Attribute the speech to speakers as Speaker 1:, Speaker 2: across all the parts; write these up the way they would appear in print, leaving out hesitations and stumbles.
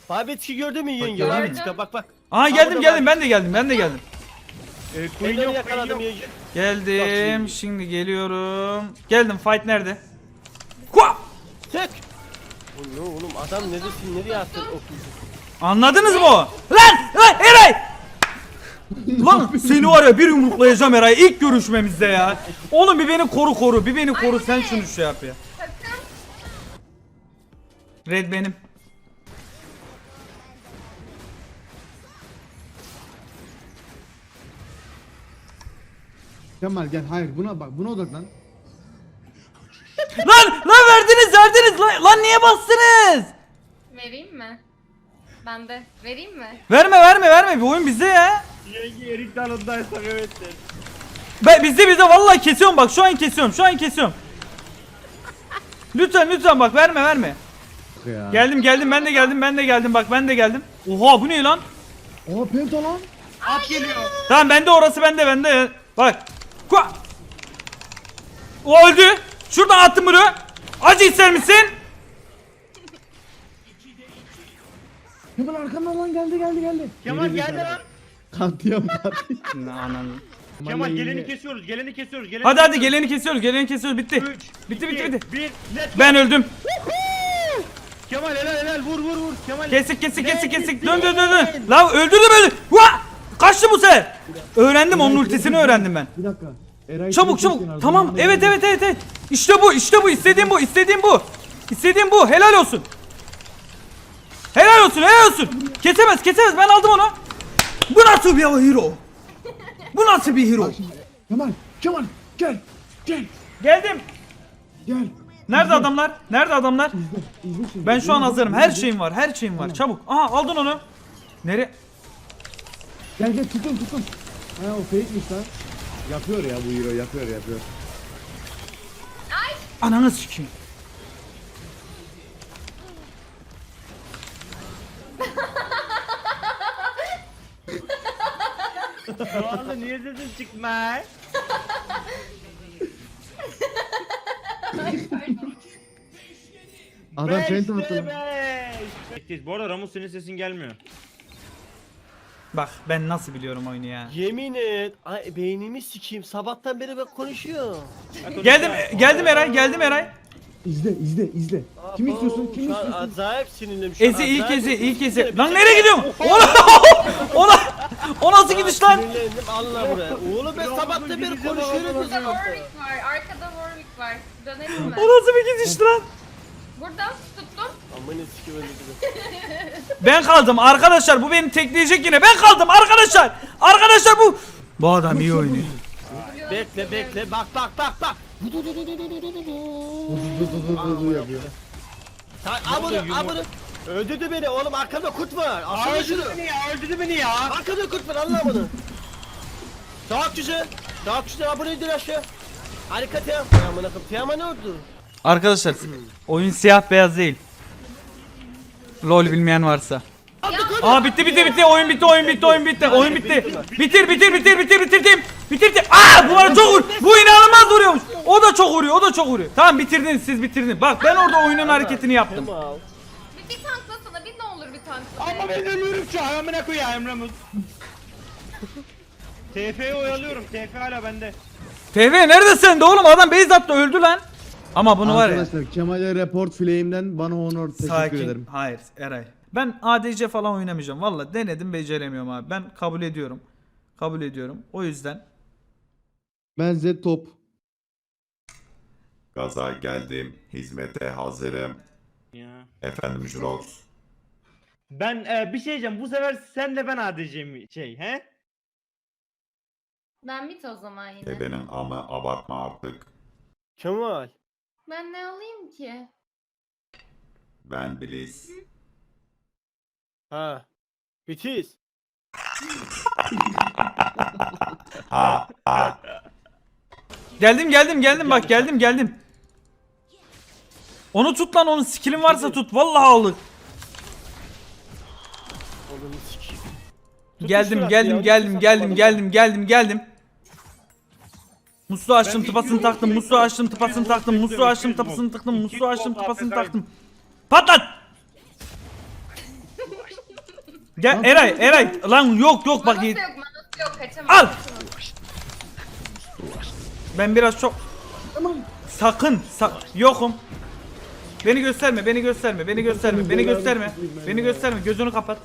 Speaker 1: Babetki gördün mü yenge?
Speaker 2: Gördüm.
Speaker 1: Babetki bak bak.
Speaker 2: Aha geldim ben de geldim.
Speaker 1: Queen yok yakaladım yenge.
Speaker 2: Geldim şimdi geliyorum. Geldim, fight nerede? Kua!
Speaker 1: Tek. Oğlum adam neredesin, nereye attın okuyorsun?
Speaker 2: Anladınız mı o? Lan Eray! Lan seni var ya bir yumruklayacağım Eray ilk görüşmemizde ya. Oğlum bir beni koru bir beni koru, sen şunu şey yap ya. Red benim.
Speaker 3: Kemal gel, hayır buna bak, buna odaklan.
Speaker 2: Lan verdiniz lan niye bastınız?
Speaker 4: Vereyim mi? Ben de. Vereyim mi?
Speaker 2: Verme bir oyun bizde ya.
Speaker 1: Yenge erik dalındaysak evet der.
Speaker 2: Bizde vallahi kesiyorum bak, şu an kesiyorum. Lütfen bak verme.
Speaker 3: Ya.
Speaker 2: Geldim ben de geldim bak ben de geldim. Oha bu ne lan?
Speaker 3: Oha penta lan.
Speaker 1: At geliyor.
Speaker 2: Tamam bende orası bende. Bak. Kua! O öldü. Şuradan attım bunu. Acı ister misin?
Speaker 3: Kemal arkamdan lan, geldi.
Speaker 1: Kemal geldi lan.
Speaker 3: Katliam.
Speaker 2: Ananı.
Speaker 1: Kemal geleni kesiyoruz.
Speaker 2: Hadi geleni kesiyoruz bitti. Bitti.
Speaker 1: 1 let's go.
Speaker 2: Ben öldüm.
Speaker 1: Kemal helal vur. Kemal.
Speaker 2: Kesik. Dön. La öldürdüm. Vaa! Kaçtı bu sefer. Öğrendim, onun ultisini öğrendim ben.
Speaker 3: Bir dakika. Eray
Speaker 2: Çabuk.
Speaker 3: kenarda,
Speaker 2: Tamam.
Speaker 3: bana
Speaker 2: Evet.
Speaker 3: geldi.
Speaker 2: İşte bu. İstediğim bu. Helal olsun. Kesemez. Ben aldım onu. Bu nasıl bir hero?
Speaker 3: Bak şimdi. Kemal gel.
Speaker 2: Geldim.
Speaker 3: Gel.
Speaker 2: Nerede adamlar?
Speaker 3: İzle şimdi.
Speaker 2: Ben şu an hazırım. Her şeyim var. Çabuk. Aha aldın onu. Nereye?
Speaker 3: Gel tutun. Ha o fake'miş lan. Yapıyor ya bu hero, yapıyor.
Speaker 2: Ananı sikeyim.
Speaker 1: Şu anda niye sesin çıkmaz?
Speaker 3: Adam penta attı lan.
Speaker 5: Bu arada Ramus senin sesin gelmiyor.
Speaker 2: Bak ben nasıl biliyorum oyunu ya.
Speaker 1: Yemin et. Ay beynimi sikeyim. Sabahtan beri ben konuşuyorum.
Speaker 2: Geldim Eray.
Speaker 3: İzle. Kim istiyorsun?
Speaker 1: Şu an acayip sinirliyim.
Speaker 2: İlk ezi. Lan nereye gidiyorsun? O nasıl gidiş lan?
Speaker 1: Sinirlendim Allah buraya. Oğlum ben sabahtan beri konuşuyorum.
Speaker 4: Burada Warwick var. Arkada Warwick var. Dönelim mi?
Speaker 2: O nasıl bir gidiş lan?
Speaker 4: Buradan tuttum.
Speaker 1: Aman eski öldürdüm.
Speaker 2: Ben kaldım arkadaşlar, bu beni tekleyecek yine. Ben kaldım arkadaşlar bu. Bu adam iyi oynuyor.
Speaker 1: Bekle. Bak.
Speaker 3: yapıyor.
Speaker 1: Al bunu. Öldürdü beni oğlum, arkamda kurt var. Alsana şunu.
Speaker 5: Öldürdü beni ya.
Speaker 1: Arkamda kurt var, Allah bunu. Çok güzel. Abone edin aşağı. Harika Team. Amına koyayım. Team'a ne oldu?
Speaker 2: Arkadaşlar oyun siyah beyaz değil. LOL bilmeyen varsa. Aa bitti. Oyun bitti. Bitirdim. Aa bu arada çok vuruyor. Bu inanılmaz vuruyormuş. O da çok vuruyor. Tamam siz bitirdiniz. Bak ben orada oyunun hareketini yaptım.
Speaker 1: Tamam.
Speaker 4: Bir tanklasana. Bir ne olur bir tanklasana.
Speaker 5: Ama ben ölüyorum şu an, amına koyayım Ramus. TF'yi oyalıyorum. TF hala bende.
Speaker 2: TV neredesin de oğlum, adam base attı öldü lan. Ama bunu var ya.
Speaker 3: Arkadaşlar Kemal'e report flame'den bana honor teşekkür ederim.
Speaker 2: Hayır Eray. Ben ADC falan oynamayacağım. Vallahi denedim, beceremiyorum abi. Ben kabul ediyorum. O yüzden.
Speaker 3: Ben Z top.
Speaker 6: Gaza geldim, hizmete hazırım.
Speaker 5: Ya.
Speaker 6: Efendim Jurox.
Speaker 5: Ben bir şey diyeceğim. Bu sefer sen de ben ADC'mi he?
Speaker 4: Ben bit o zaman yine.
Speaker 6: Ebenin ama abartma artık.
Speaker 1: Kemal.
Speaker 4: Ben ne alayım ki?
Speaker 6: Ben Bliss.
Speaker 1: Ha. Bitiz.
Speaker 6: Ha ha.
Speaker 2: Geldim bak geldim. Onu tut lan, onun skill'in varsa tut. Vallahi alır.
Speaker 1: Oğlum sikeyim.
Speaker 2: Geldim. Musluğu açtım, tıpasını taktım. Patlat! Gel Eray lan yok bak
Speaker 4: Manası
Speaker 2: iyi.
Speaker 4: yok, manası yok. Kaçamaz.
Speaker 2: Al. Ben biraz çok sakın yokum. Beni gösterme gözünü kapat.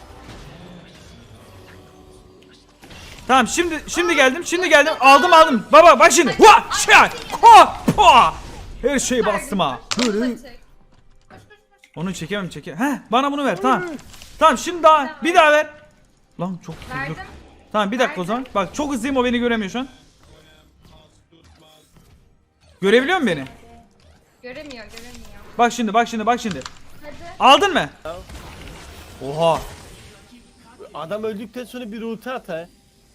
Speaker 2: Tamam şimdi geldim aldım baba bak şimdi hua şa ko po her şeyi bastım ha. Böyle
Speaker 4: Çek. Koş, koş, koş.
Speaker 2: onu çekemem. Heh bana bunu ver tamam şimdi bir daha ver. Lan çok hızlı.
Speaker 4: Verdim.
Speaker 2: Tamam bir dakika o zaman. Bak çok hızlıyım o beni göremiyor şu an. Görebiliyor musun beni?
Speaker 4: Göremiyor.
Speaker 2: Bak şimdi.
Speaker 4: Hadi.
Speaker 2: Aldın mı? Oha.
Speaker 1: Adam öldükten sonra bir ulti at ha.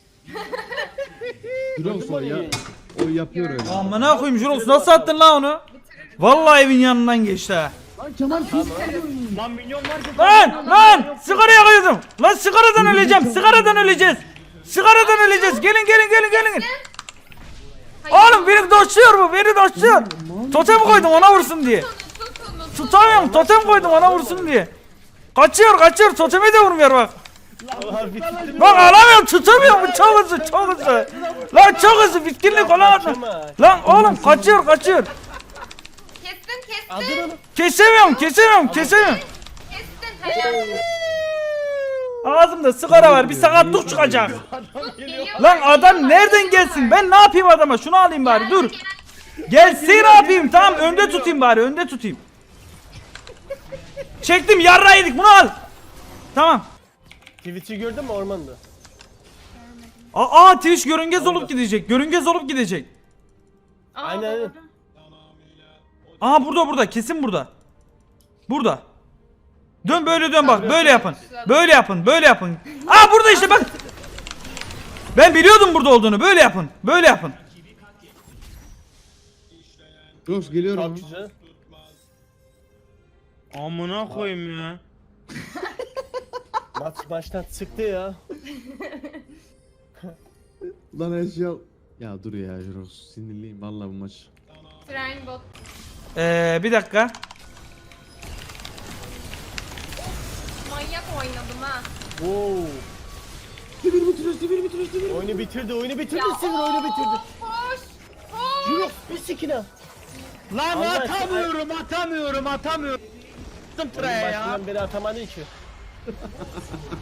Speaker 3: Jurox o ya. O yapıyor öyle.
Speaker 2: Amına koyayım Jurox nasıl attın lan onu? Vallahi evin yanından geçti ha.
Speaker 3: Lan Kemal pis.
Speaker 5: Lan milyon varsa
Speaker 2: Lan sigaraya koydum. Lan sigaradan öleceğiz. Gelin.
Speaker 4: Hayır.
Speaker 2: Oğlum beni doşluyor bu. Totem koydum ona vursun diye. Tutamıyorum totem koydum ona vursun diye. Kaçıyor toteme de vurmuyor bak. Bak alamıyorum tutamıyorum bu çok hızlı. Lan çok hızlı bitkinlik olamadım. Lan oğlum kaçıyor.
Speaker 4: Kestin.
Speaker 1: Aldın onu.
Speaker 2: Kesemiyorum.
Speaker 4: Kestin. Helal.
Speaker 2: Ağzımda sigara var bir sakatlık çıkacak.
Speaker 4: Geliyor.
Speaker 2: Lan adam nereden gelsin? Ben ne yapayım adama? Şunu alayım bari dur. Gelsin ne yapayım? Tamam önde tutayım. Çektim yarra yedik bunu al. Tamam.
Speaker 1: Twitch'i gördün mü ormanda?
Speaker 2: Twitch görünmez olup gidecek.
Speaker 4: Aa,
Speaker 1: Aynen.
Speaker 4: doğru.
Speaker 2: Burada kesin burada. Dön böyle dön bak böyle yapın. Böyle yapın. Burada işte bak. Ben biliyordum burada olduğunu. Böyle yapın.
Speaker 3: Jurox geliyorum.
Speaker 1: Çok güzel.
Speaker 5: amına koyayım ya.
Speaker 1: Maçtan çıktı ya.
Speaker 3: Lan her şey al. Ya dur ya Jurox sinirliyim vallahi bu maç.
Speaker 4: Train bot.
Speaker 2: Bir dakika.
Speaker 4: Manyak oynadım ha.
Speaker 1: Oo.
Speaker 3: Devir bitiriyoruz.
Speaker 1: Oyunu bitirdi. Sivir oyunu bitirdi.
Speaker 4: Koş.
Speaker 1: Jurox bir sikine.
Speaker 5: Lan
Speaker 1: Allah aşkına.
Speaker 5: atamıyorum. Attım
Speaker 1: Oyunun
Speaker 5: tıraya ya.
Speaker 1: başından beri atamadı ki.